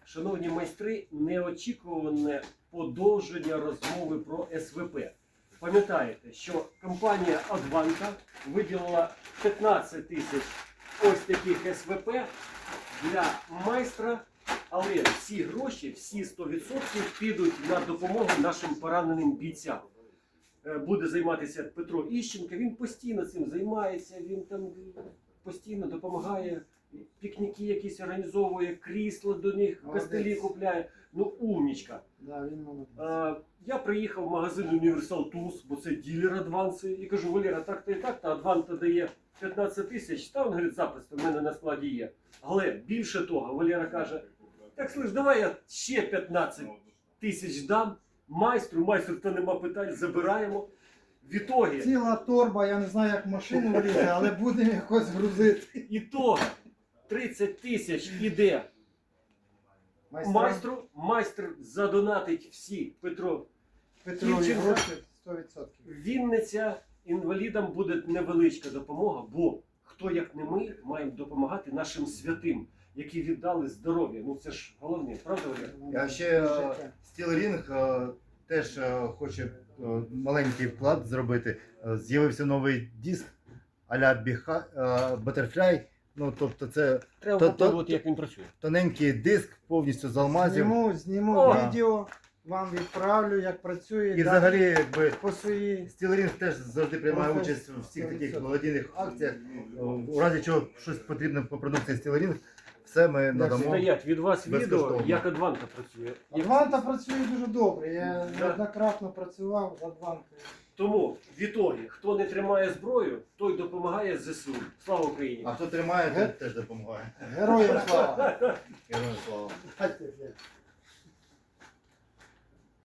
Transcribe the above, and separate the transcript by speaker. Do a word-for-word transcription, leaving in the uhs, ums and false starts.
Speaker 1: шановні майстри, неочікуване подовження розмови про ес ве пе. Пам'ятаєте, що компанія Advanta виділила п'ятнадцять тисяч ось таких ес ве пе для майстра, але всі гроші, всі сто відсотків підуть на допомогу нашим пораненим бійцям. Буде займатися Петро Іщенко, він постійно цим займається, він там постійно допомагає, пікніки якісь організовує, крісла до них, костелі купляє. Ну, умнічка.
Speaker 2: Да, він молодець.
Speaker 1: А, я приїхав в магазин Universal Tools, бо це ділер Адванси, і кажу: Валера, так-то і так-то, Адванта дає п'ятнадцять тисяч, та він говорить, запросто, в мене на складі є. Але більше того, Валера каже: так, слиш, давай я ще п'ятнадцять тисяч дам майстру, майстру, то нема питань, забираємо. В ітогі,
Speaker 2: Ціла торба, я не знаю, як машину влізе, але будемо якось грузити.
Speaker 1: ітога тридцять тисяч іде
Speaker 2: Майстра
Speaker 1: майстру, майстер задонатить всі, Петро.
Speaker 2: Петрові
Speaker 1: Дівчинка.
Speaker 2: гроші сто відсотків.
Speaker 1: Вінниця, інвалідам буде невеличка допомога, бо хто як не ми маємо допомагати нашим святим, які віддали здоров'я. Ну це ж головне, правда, Валера?
Speaker 3: А ще Стілрінг теж е, хоче е, маленький вклад зробити. Е, З'явився новий диск а-ля Біха- е, Butterfly. Ну, тобто це
Speaker 1: Треба
Speaker 3: То- то-
Speaker 1: попробувати, як він працює.
Speaker 3: тоненький диск повністю з алмазів.
Speaker 2: Зніму, зніму
Speaker 1: О!
Speaker 2: відео, вам відправлю, як працює.
Speaker 3: І
Speaker 2: да,
Speaker 3: взагалі, якби
Speaker 2: по своїй.
Speaker 3: Стілрінг теж завжди приймає
Speaker 2: Професія.
Speaker 3: участь у всіх таких
Speaker 2: сто відсотків.
Speaker 3: благодійних акціях. У разі чого щось потрібно по продукції Стілрінг, все ми надамо.
Speaker 1: Стоять від вас відео,
Speaker 3: Безкоштовно.
Speaker 1: як Адванта працює. Як-
Speaker 2: Адванта працює дуже добре. Я
Speaker 1: Да.
Speaker 2: неоднократно працював з Адвантою.
Speaker 1: Тому в ітогі, хто не тримає зброю, той допомагає зе се у. Слава Україні!
Speaker 3: А хто тримає, той теж допомагає.
Speaker 2: Героям слава!
Speaker 3: Героям слава.
Speaker 2: Хай тебе.